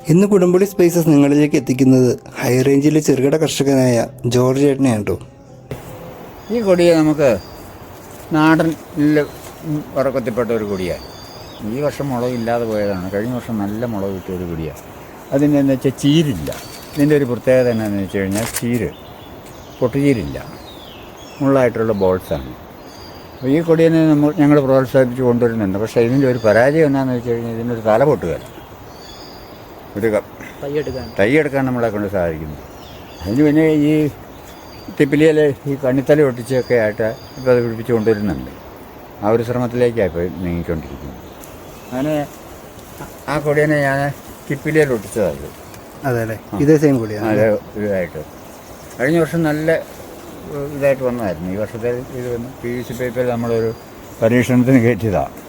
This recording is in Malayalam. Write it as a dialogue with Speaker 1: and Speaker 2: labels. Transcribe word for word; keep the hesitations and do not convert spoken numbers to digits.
Speaker 1: ഇന്ന് കുടംപുളി സ്പൈസസ് നിങ്ങളിലേക്ക് എത്തിക്കുന്നത് ഹൈ റേഞ്ചിലെ ചെറുകിട കർഷകനായ ജോർജ് ചേട്ടനെയാണ് കേട്ടോ.
Speaker 2: ഈ കൊടിയെ നമുക്ക് നാടൻ ഉറക്കത്തിൽപ്പെട്ട ഒരു കൊടിയാണ്. ഈ വർഷം മുളകില്ലാതെ പോയതാണ്. കഴിഞ്ഞ വർഷം നല്ല മുളക് കിട്ടിയ ഒരു കൊടിയാണ്. അതിൻ്റെ എന്ന് വെച്ചാൽ ചീരില്ല. ഇതിൻ്റെ ഒരു പ്രത്യേകത എന്നാന്ന് വെച്ച് കഴിഞ്ഞാൽ ചീര് പൊട്ടുചീരില്ല, മുള്ളായിട്ടുള്ള ബോൾസാണ്. അപ്പോൾ ഈ കൊടിയെ നമ്മൾ ഞങ്ങൾ പ്രോത്സാഹിപ്പിച്ച് കൊണ്ടുവരുന്നുണ്ട്. പക്ഷേ ഇതിൻ്റെ ഒരു പരാജയം എന്നാന്ന് വെച്ച് കഴിഞ്ഞാൽ ഇതിനൊരു തല പൊട്ടുകയല്ല, ഒരു തൈ എടുക്കാൻ നമ്മളെ കൊണ്ട് സാധിക്കുന്നു. അതിന് പിന്നെ ഈ തിപ്പിലിയിൽ ഈ കണ്ണിത്തല ഒട്ടിച്ചൊക്കെ ആയിട്ട് ഇപ്പോൾ അത് പിടിപ്പിച്ച് കൊണ്ടുവരുന്നുണ്ട്. ആ ഒരു ശ്രമത്തിലേക്കാണ് ഇപ്പോൾ നീങ്ങിക്കൊണ്ടിരിക്കുന്നത്. അങ്ങനെ ആ കൊടിയെ ഞാൻ തിപ്പിലിയിൽ ഒട്ടിച്ചതായിരുന്നു.
Speaker 1: അതെ അല്ലേ, ഇതേ സെയിം കൊടിയാണ്.
Speaker 2: അതെ, ഇതായിട്ട് കഴിഞ്ഞ വർഷം നല്ല ഇതായിട്ട് വന്നതായിരുന്നു. ഈ വർഷത്തെ ഇത് വന്ന് പി വി സി പേപ്പറിൽ നമ്മളൊരു പരീക്ഷണത്തിന് കയറ്റിയതാണ്.